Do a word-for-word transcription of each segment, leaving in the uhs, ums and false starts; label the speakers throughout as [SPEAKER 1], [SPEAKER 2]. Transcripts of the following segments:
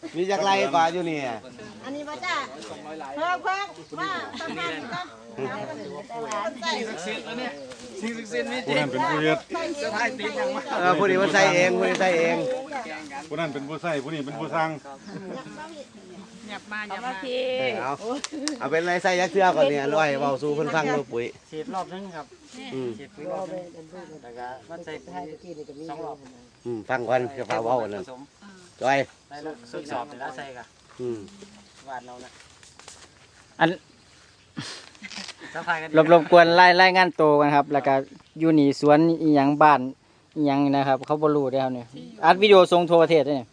[SPEAKER 1] มีจากไรกว่าอยู่นี่
[SPEAKER 2] อันนี้มาจ้าเพิ่มเพิ่มมาทำงานก็สิ่งศักดิ์สิทธิ์แล้วเนี่ยสิ่งศักดิ์สิทธิ์มีจริงเป็นผู้เฮ็ดจะถ่ายติดยังวะ
[SPEAKER 1] เออผู้นี้มันใส่เองผู้นี้ใส่เอง
[SPEAKER 3] ผู้นั้นเป็นผู้ใส่ผู้นี้เป็นผู้สร้าง
[SPEAKER 2] หยับมาหยับมาพี่
[SPEAKER 1] เอาเอาเป็นไรใส่ยักษ์เทือก่อนเนี่ยร้อยเบาสู้เพิ่นฟังดูปุ๋ย
[SPEAKER 4] ฉีดรอบนึงครับฉีดปุ๋ยรอบนึงแล้วก็มันใส่สองรอบ
[SPEAKER 1] อืมฟังก่อนจะฟ้าเบานั่นจอย
[SPEAKER 4] ได้แล้วสุดสอบแล้วใส่กัน
[SPEAKER 1] อืม
[SPEAKER 4] หวานเรานะ
[SPEAKER 5] อันรบรบกวนไล่ไล่งานโตกันครับแล้วก็อยู่นี่สวนอีหยังบ้านอีหยังนะครับเขาบ่รู้ได้ครับเนี่ยอัดวิดีโอส่งทั่วประเทศได้เนี่ย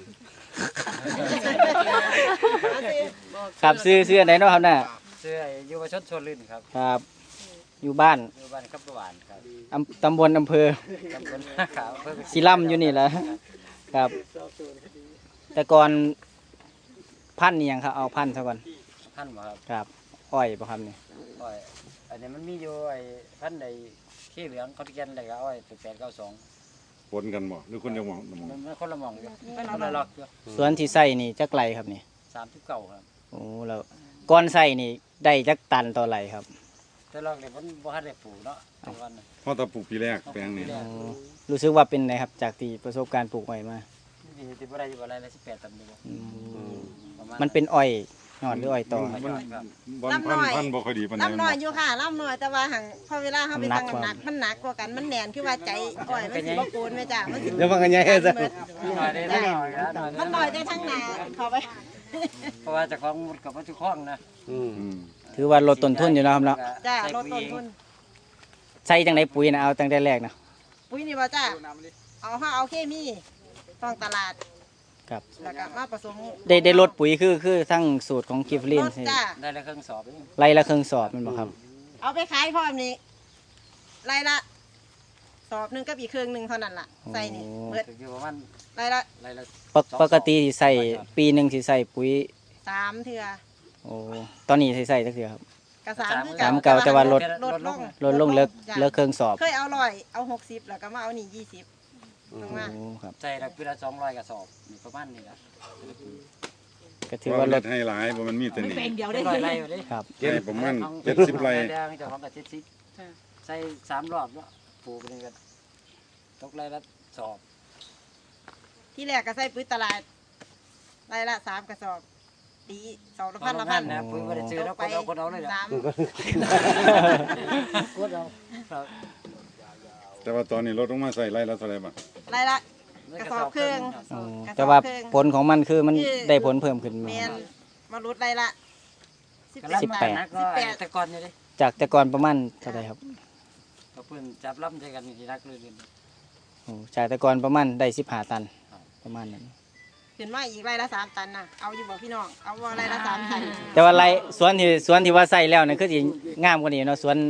[SPEAKER 5] ครับซื้อซื้อไหนเนาะครับน่ะ
[SPEAKER 4] ซื้ออยู่ประชดชนลื่นครับ
[SPEAKER 5] ครับอยู่บ้าน
[SPEAKER 4] อยู่บ้านครับหวาน
[SPEAKER 5] ครับตำบลอำเภอ
[SPEAKER 4] ตำบลขาวอำเภอ
[SPEAKER 5] ศิลัมอยู่นี่แหละครับแต่ก่อนพันนี่ยังครับเอาพันซะก่อน
[SPEAKER 4] พันบ่ครับ
[SPEAKER 5] ครับอ้อยบ่ครับนี่
[SPEAKER 4] อ้อยอันนี้มันมีอยู่ไอ้พันใดขี้เหลืองเขาเขียนอะไรก็อ้อยแปดเก้าสอง
[SPEAKER 3] ปนกันบ่หรือคนจะมอง
[SPEAKER 4] มันคนละมองอยู่คนละล็อกอยู่
[SPEAKER 5] สวนที่ใส่นี่จักไรครับนี่
[SPEAKER 4] สามสิบเก้าครับ
[SPEAKER 5] โอ้แล้วก้อนใส่นี่ได้จักตันต่อไรครับ
[SPEAKER 4] แต่ลอกเนี่ยมันบ่ทันได้ปลูกเนาะทุกวัน
[SPEAKER 3] เพราะตะปลูกปีแรกแปลงนี่
[SPEAKER 5] รู้สึกว่าเป็นไงครับจากที่ประสบการณ์ปลูกอ้อยมา
[SPEAKER 4] นี่ที่บ่ได้อยู่บ่ได้ละสิบแปดตันนี่
[SPEAKER 5] มันเป็นอ้อยยอดหรืออ้อยตอ
[SPEAKER 3] ลำน้อยพันบ่ค่อยดีปานใด
[SPEAKER 2] ลำน้อยอยู่ค่ะลำน้อยแต่ว่าหังพอเวลาเขาไปตั้งน้ำหนักมันหนักกว่ากันมันแน่นคือว่าใจอ้อยมันสิบ่โกนแม่จ้ามันสิ
[SPEAKER 1] เดี๋ยวมันกันใหญ่ซะ
[SPEAKER 2] มันน้อยได้ทั้งหน้าเข้าไป
[SPEAKER 4] เพราะว่าจะคล้องมุดกับวัตถุคล้องนะ
[SPEAKER 5] ถือว่าลดต้นทุนอยู่นะครับเนาะ
[SPEAKER 2] จ้าลดต้นทุน
[SPEAKER 5] ใส่จังไดปุ๋ยนะเอาตั้งแต่แรกนะ
[SPEAKER 2] ปุ๋ยนี่ว่าจ้าเอาห้าเอาเคมีต้องตลาด
[SPEAKER 5] ครับ
[SPEAKER 2] แล้วก็มาผสม
[SPEAKER 5] ได้ได้ลดปุ๋ยคือคือทั้งสูตรของกิฟลิน
[SPEAKER 4] ได้ละเครื่องสอบ
[SPEAKER 5] ไรละเครื่องสอบมันบอกครับ
[SPEAKER 2] เอาไปขายพร้อมนี้ไรละสอบหนึ่งกับอีกเครื่องหนึ่งเท่านั้นล่ะใส่นี่เบิดไรละ
[SPEAKER 5] ไรละปกติที่ใส่ปีหนึ่งที่ใส่ปุ๋ย
[SPEAKER 2] สามเถื่อ
[SPEAKER 5] โอ้ตอนนี้ใส่ใส่เถื่อครับ
[SPEAKER 2] กระสาม
[SPEAKER 5] สามเก่าแต่ว่าลด
[SPEAKER 2] ลดลง
[SPEAKER 5] ลดลงเลิกเลิกเครื่องสอบ
[SPEAKER 2] เคยเอาร้อยเอาหกสิบแล้วก็มาเอานี่ยี่สิบ
[SPEAKER 4] ใส่ละปีละสองร้อยกระสอบประมาณนี้ละ
[SPEAKER 5] ก็ถือว่าลด
[SPEAKER 3] ให้หลายเพราะมันมีแต่นี่
[SPEAKER 2] เดียวได้
[SPEAKER 4] ไร่
[SPEAKER 5] ครับ
[SPEAKER 3] ใช่ประมาณเจ็ดสิบไร่
[SPEAKER 4] เจ้าของกับเจ็ดสิบใส่สามรอบแล้วปลูกเป็นกันตกไร่ละสอบ
[SPEAKER 2] ที่แรกก็ใส่ปุ๋ยตลาดไร่ละสามกระสอบตีสองละพันละพัน
[SPEAKER 4] นะปุ๋ยไม่ได้ซื้อแล้วคนเอาคนเอาเลยสาม
[SPEAKER 2] คนเอา
[SPEAKER 3] แต่ว่าตอนนี้ลดลงมาใส่ไร่ละเท่าไรบ้าง
[SPEAKER 2] ไร่ละกระสอบครึ่ง
[SPEAKER 5] แต่ว่าผลของมันคือมันได้ผลเพิ่มขึ้นมา
[SPEAKER 2] มาลดไร่ละ
[SPEAKER 5] สิบแปด
[SPEAKER 4] แต่ก่อนนี่ดิ
[SPEAKER 5] จากแต่ก่อนประมาณเท่าไรครับ
[SPEAKER 4] ก็เพิ่นจับล้ำใจกันที่รักเลย
[SPEAKER 5] โอ้จากแต่ก่อนประมาณได้สิบห้าตันประมาณนั้น
[SPEAKER 2] ขึ้นมาอีกไร่ละสามตันนะเอาอยู่บอกพี่น้องเอาว่าไร่ละสามตัน
[SPEAKER 5] แต่ว่าไรสวนที่สวนที่ว่าใส่แล้วนั่นคือสิงามกว่านี้เนาะสวน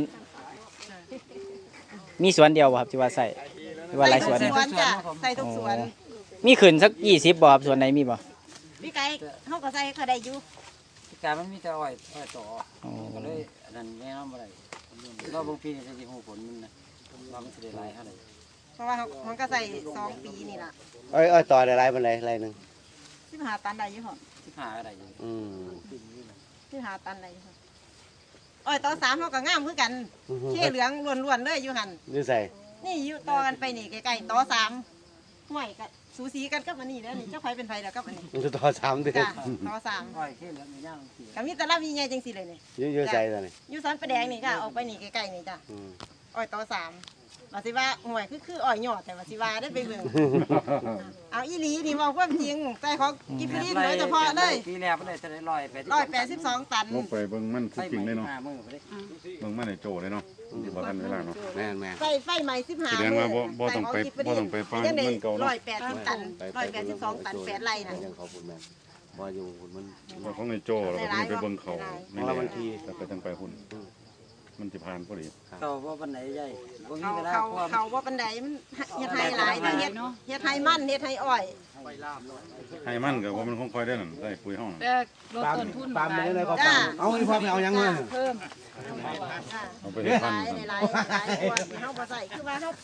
[SPEAKER 5] มีสวนเดียวครับที่ว่าใส่ที่ว่าไรสวน
[SPEAKER 2] จ้ะใส่ทุกสวน
[SPEAKER 5] มีขึ้นสักยี่สิบบ่ครับสวนไหนมีบ่
[SPEAKER 2] พี่ไก่เขาก็ใส่เขาได้อยู่
[SPEAKER 4] พี่ไก่มันมีแต่อ้อยอ้อยต่อก็เลยอันนั้นแน่นอนบ่ได้รอบบางปีจะมีหูผลมันนะว่ามันจะได้หลายเท่าไหร่
[SPEAKER 2] เพราะว่ามันก็ใส่สองปีนี่ล่ะ
[SPEAKER 1] อ้อยอ้อยต่อได้ไรเป็นไรไรหนึ่ง
[SPEAKER 2] สิบห้าตันได้อยู่หรอ
[SPEAKER 4] สิบห้าอะไรอยู่
[SPEAKER 1] อืม
[SPEAKER 2] สิบห้าตันได้อยู่อ้อยต่อสามเขาก็งามคือกันเขี้เหลืองล้วนๆเลยอยู่หัน
[SPEAKER 1] นี่ใส่
[SPEAKER 2] นี่อยู่ต่อกันไปนี่ใกล้ๆต่อสามห่วยกันสูสีกันกับอันนี้แล้วนี่เจ้าไฟเป็นไฟแล้วกับอันนี้
[SPEAKER 1] มันจะต่อสามเดือน
[SPEAKER 2] ต่อสาม
[SPEAKER 4] อ้อยเขี้เหลืองมีย่าง
[SPEAKER 2] กับมีแต่ละมีไงจังสิเลยนี่
[SPEAKER 1] เยอะๆใจตอนนี้
[SPEAKER 2] อยู่สันประแดงนี่ค่ะออกไปนี่ใกล้ๆนี่จ้ะอ้อยต่อสามว่าสิว่าห่วยคือคืออ้อยหยอดแต่ว่าสิว่าได้ไปเบิ่งเอาอีหลีนี่บอกความจริงใจของกิฟลี่โดยเฉพาะเลย
[SPEAKER 4] ปีแรกมันได้จะได้ร้อยแปด
[SPEAKER 2] ร้อยแปดสิบสองตัน
[SPEAKER 3] ลงไปเบิ่งมันจริงเลยเนาะเบิ่งมันในโจเลยเนาะบ่ทันเวลาเนาะ
[SPEAKER 1] แม่นแม่
[SPEAKER 2] ไฟไฟใหม่สิบห้า
[SPEAKER 3] แสดงว่าบ่บ่ต้องไปบ่ต้องไปฟังมันเก่าเนาะ
[SPEAKER 2] ร้อยแปดสิบตันร้อยแปดสิบสองตันแปดไร่น่ะ
[SPEAKER 1] ยังเขาพูดแม่บ่อยู่มัน
[SPEAKER 3] บ่ของในโจแล้วก็ไปเบิ่งเขา
[SPEAKER 1] ในบางที
[SPEAKER 3] แต่ไปจังไปหุ่นมันจะผ่านพอดี
[SPEAKER 4] เขาว่าปันไหนใหญ่
[SPEAKER 2] เขาเขาเขาว่าปันไหนมันเฮ็ดไทยหลายเฮ็ดเฮ็ดไทยมันเฮ็ดไทยอ้อย
[SPEAKER 3] ไทยมันก็ว่ามันคงค่อยได้นั่นได้ปุ๋ยห้อง
[SPEAKER 2] แต่ลดต้นทุน
[SPEAKER 1] ปามเลยเลยก็ปามเอาอีความเอายังเงิน
[SPEAKER 2] เพิ่ม
[SPEAKER 3] เอาไปเฮ็ดพันธุ์
[SPEAKER 2] หลายหลายหลายกว่าที่เฮาบ่ใส่คือว่าเฮา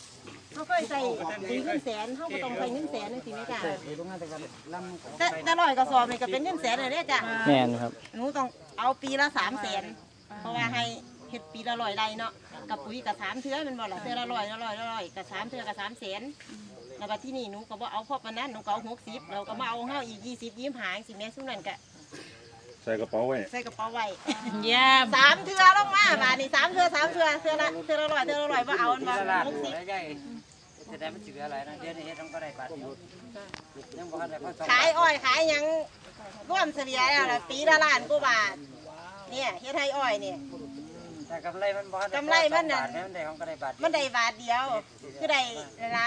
[SPEAKER 2] เขาเคยใส่สีเงินแสนเขาก็ต้องใส่เงินแสนนี่สิแม่จ้า
[SPEAKER 4] โรงงานแต่ก็ลำ
[SPEAKER 2] แต่แต่ร้อยกระสอบนี่ก็เป็นเงินแสนเลยเด้อจ้ะ
[SPEAKER 5] แม่นครับ
[SPEAKER 2] หนูต้องเอาปีละสามแสนเพราะว่าให้เฮ็ดปีละร้อยไรเนาะกับปุ๋ยกับสามเทื่อแมันบ่ล่ะเทื่อละร้อยละร้อยละร้อยกับสามเทื่อกับสามแสนแล้วก็ที่นี่หนูก็บ่เอาพอปานนั้นหนูก็เอาหกสิบเราก็มาเอาเฮาอีกยี่สิบยี่สิบห้าสิแม่ซุ่มนั่นก็
[SPEAKER 3] ใส่กระเป๋าไว้
[SPEAKER 2] ใส่กระเป๋าไว้
[SPEAKER 6] เยี่ยม
[SPEAKER 2] สามเทื่อลงมาบาดนี้สามเทื่อสามเทื่อเทื่อละเทื่อละร้อยเทื่อละร้อยบ่เอาอันบ่
[SPEAKER 4] ละลาน
[SPEAKER 2] หกสิบ
[SPEAKER 4] แล้วใหญ่จะได้มันจืดอะไรนะเดี๋ยวนี้เฮ็ดทำก็ได้บาทเดียวยังบ่ทันได้พอสอง
[SPEAKER 2] ขายอ้อยขายหยังร่วมเฉลี่ยแล้วล่ะปีละล้านกว่าบาทเนี่ยเฮ็ดให้อ้อยเนี่ย
[SPEAKER 4] แต่กำไรมันบ่ทัน
[SPEAKER 2] กำไรมันน่ะ
[SPEAKER 4] บาทมันได้ของก็ได้บาท
[SPEAKER 2] มันได้บาทเดียวคือได้นั่นละ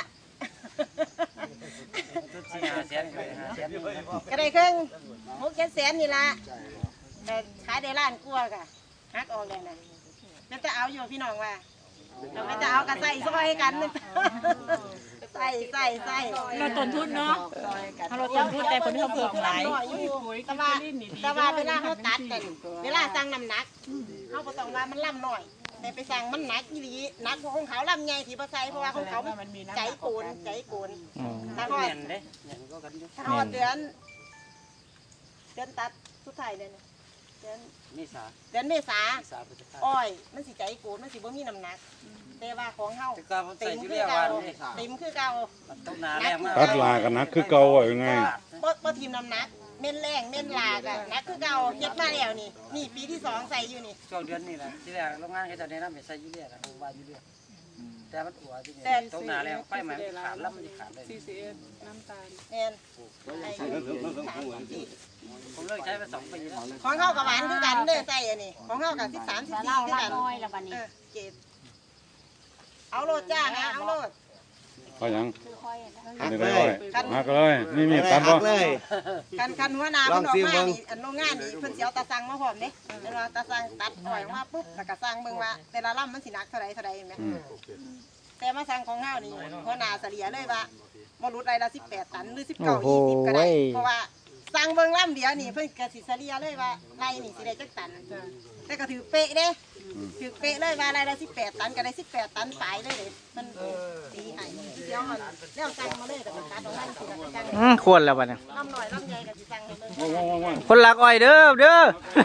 [SPEAKER 4] สุดสี่ห้าแสนก็ได้ห้าแสน
[SPEAKER 2] ก็ได้ครึ่งหกเจ็ดแสนนี่ละแต่ขายได้ล้านกว่าก็หักออกเลยนะแล้วจะเอาอยู่พี่น้องว่าเราไม่จะเอากระใส่ซอยกันใส่ใส่ใส่
[SPEAKER 6] เราต้นทุนเนาะเราต้นทุนแต่ผลที่เขาเพิ่มหลาย
[SPEAKER 2] แต่ว่าแต่ว่าเวลาเขาตัดกันเวลาสั่งน้ำหนักเขาก็ต้องว่ามันล่ำหน่อยแต่ไปสั่งมันหนักอีหลีหนักของเขาล่ำใหญ่ที่ภาษาเพราะว่าของเขาใจโกนใจโกน
[SPEAKER 5] อ๋อ
[SPEAKER 2] ถ้าหอด
[SPEAKER 4] เห็นเด้เห็นก็กันอยู่
[SPEAKER 2] ถ้าหอดเดือนเดือนตัดสุดท้ายเดือนเดือน
[SPEAKER 4] มีสา
[SPEAKER 2] เดือนเมษา
[SPEAKER 4] มีสาพฤษภา
[SPEAKER 2] อ้อยมันสิใจโกนมันสิบ่มีน้ำหนักแต่ว่าของเฮา
[SPEAKER 4] แต่ก็ผมใส่
[SPEAKER 2] เต็ม
[SPEAKER 4] อยู่
[SPEAKER 2] คื
[SPEAKER 4] เรี
[SPEAKER 2] อย
[SPEAKER 4] ก
[SPEAKER 2] เก่า
[SPEAKER 4] ว่านี่
[SPEAKER 2] เต็มคือเก่า
[SPEAKER 4] มันต้องหนาแรงมาก
[SPEAKER 3] ตัดลากันนักคือเก่าว่ายังไง
[SPEAKER 2] บ่บ่ทีมน้ำหนักเม่นแรงเม่นลากอะหนักคือเก่าเฮ็ดมาแล้วนี่นี่ปีที่สองใส่อยู่นี่
[SPEAKER 4] ช่วงเดือนนี้แหละที่แรกโรงงานเขาจะแนะนำให้ใส่ยูเรียนะผมว่ายูเรียแต่มันอัวที่นี่ต้องหนาแรงไปมันขาดแล้วมันขาดเลย
[SPEAKER 6] ซีซีเอสน้ำตาล
[SPEAKER 2] แม่นไอ้
[SPEAKER 4] ผมเลิกใช้มาสองปีแล้ว
[SPEAKER 2] ของเฮากับหวานคือกันเด้อใส่อันนี้ของเฮากับสิบสาม สิบสี่คือกัน
[SPEAKER 6] น้อยละบัดนี้
[SPEAKER 2] เออเก็บเอาโลดจ้านะเอาโลด
[SPEAKER 3] เอาหยัง
[SPEAKER 1] หั
[SPEAKER 3] อัน
[SPEAKER 1] ก
[SPEAKER 3] นี้
[SPEAKER 1] เล
[SPEAKER 3] ได้อ้อย
[SPEAKER 1] ย
[SPEAKER 3] หักเลยนี่มีดตัด
[SPEAKER 1] หั
[SPEAKER 3] บ่
[SPEAKER 1] กเลย
[SPEAKER 2] คันคันหัวหน้า
[SPEAKER 1] ล
[SPEAKER 2] เพิ่
[SPEAKER 1] อง
[SPEAKER 2] นออก
[SPEAKER 1] ซิ
[SPEAKER 2] มา
[SPEAKER 1] เบิ่ง
[SPEAKER 2] นี่อันโรงงานนี่เพิ่นสิเอาตาสั่งมาพร้อมเด้เพิ่นว่าตาสั่งตัดอ้อยออกมาปุ๊บแล้วก็สั่งเบิ่งว่าแต่ละลำมันสิหนักเท่าใดเท่าใดเห็นไหม
[SPEAKER 3] อืม
[SPEAKER 2] แต่มาสั่งของเฮานี่หัวหน้าเฉลี่ยเลยว่าบ่รุดไรละสิบแปดตันหรือสิบ
[SPEAKER 5] โอ้
[SPEAKER 2] เก้า
[SPEAKER 5] โห
[SPEAKER 2] ยี่สิบก็ได้
[SPEAKER 5] เว้ย
[SPEAKER 2] เพราะว่าสั่งเบิ่งลำเดียวนี่เพิ่นก็สิเฉลี่ยเลยว่าไรนี่สิได้จักตันแต่ก็ถือเป๊ะเด้ถือเป๊ะเลยว่าไรละสิบแปดตันก็ได้สิบแปดตันปลายเลยเด้มันตีให้เดี๋ยวมันแล้วสั่งมาเลยก็สิตัดออกมาสิแล้วก็สั่ง
[SPEAKER 5] อืมควรแล้วบัดนี้
[SPEAKER 2] ลำหน่อยลำใหญ่ก็สิสั่งให้เบิ่ง
[SPEAKER 3] ว่างว่างว่าง
[SPEAKER 5] คนรักอ้อยเด้อเด้อ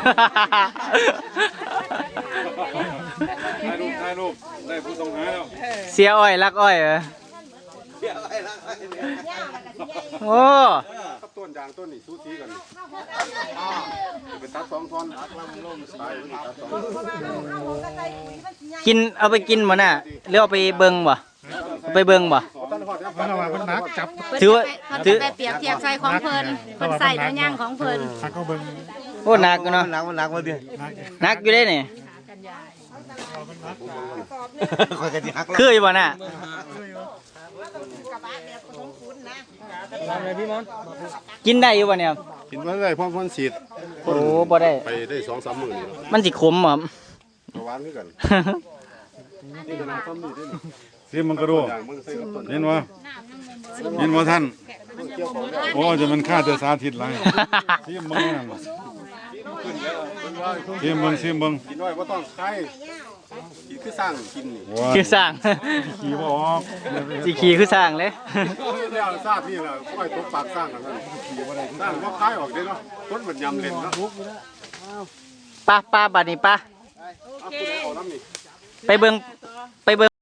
[SPEAKER 3] ถ่ายรูปถ่ายรูปได้ผู้ต้องหาแล้ว
[SPEAKER 5] เสียอ้อยรักอ้อยเหรอ
[SPEAKER 2] ย่ามันก็สิใหญ่
[SPEAKER 5] โอ้
[SPEAKER 3] กับต้นยางต้นนี่สูสีกันไปตัดสองท่อนตัดลำล่มตายตัดสอง
[SPEAKER 2] เพราะว่าเฮาเฮาของกระใส่ปุ๋ยมันสิใหญ่
[SPEAKER 5] กินเอาไปกินบ่น่ะหรือเอาไปเบิ่งบ่เอาไปเบิ่งบ่
[SPEAKER 3] ต้นหอดเนี่ยพันว่ามันนักจับ
[SPEAKER 5] ถือว่า
[SPEAKER 6] เขา
[SPEAKER 5] ถื
[SPEAKER 6] จะ
[SPEAKER 5] อ
[SPEAKER 6] ไปเปรียบเทียบใส่ของเพิ่นเพิ่นใส่เนื้อย่างของเพิ่น
[SPEAKER 5] โอ้หนักอยู่เนาะ
[SPEAKER 1] หนักมันหนักมาดิ
[SPEAKER 5] หนักอยู่เด้นี่
[SPEAKER 1] คอยกันสิหัก
[SPEAKER 5] คืออยู่บ่น่ะ
[SPEAKER 2] กระบะแบบผสมปูนนะ
[SPEAKER 5] กินได้อยู่บ่เนี่ย
[SPEAKER 3] กินมาได้พร้อมพ่นสีด
[SPEAKER 5] โอ้บ่ได้
[SPEAKER 3] ไปได้สองสามหมื่นนี่
[SPEAKER 5] มันสิขมบ่
[SPEAKER 3] ประวานคือกันซีมันกระโดดเห็นวะเห็นวะท่านโอ้จะมันฆ่าจะสาธิตไรซีมึงนั่นซีมึงซีมึง
[SPEAKER 7] กินน้อยว่าต้องใครกินคือสร้างกินนี่
[SPEAKER 5] คือสร้าง
[SPEAKER 3] ขี่บ่ออก
[SPEAKER 5] สิขี่คือสร้างเลย
[SPEAKER 7] แล้วทราบนี่แหละค่อยตกปากสร้างกันนั่นสร้างว่าคล้ายออกได้เนาะต้นเหมือนยำเล่นเนาะ
[SPEAKER 5] ป้าป้าบัดนี้ป้า
[SPEAKER 7] เอาคุณเอาน้ำนี่
[SPEAKER 5] ไปเบิ่งไปเบิ่ง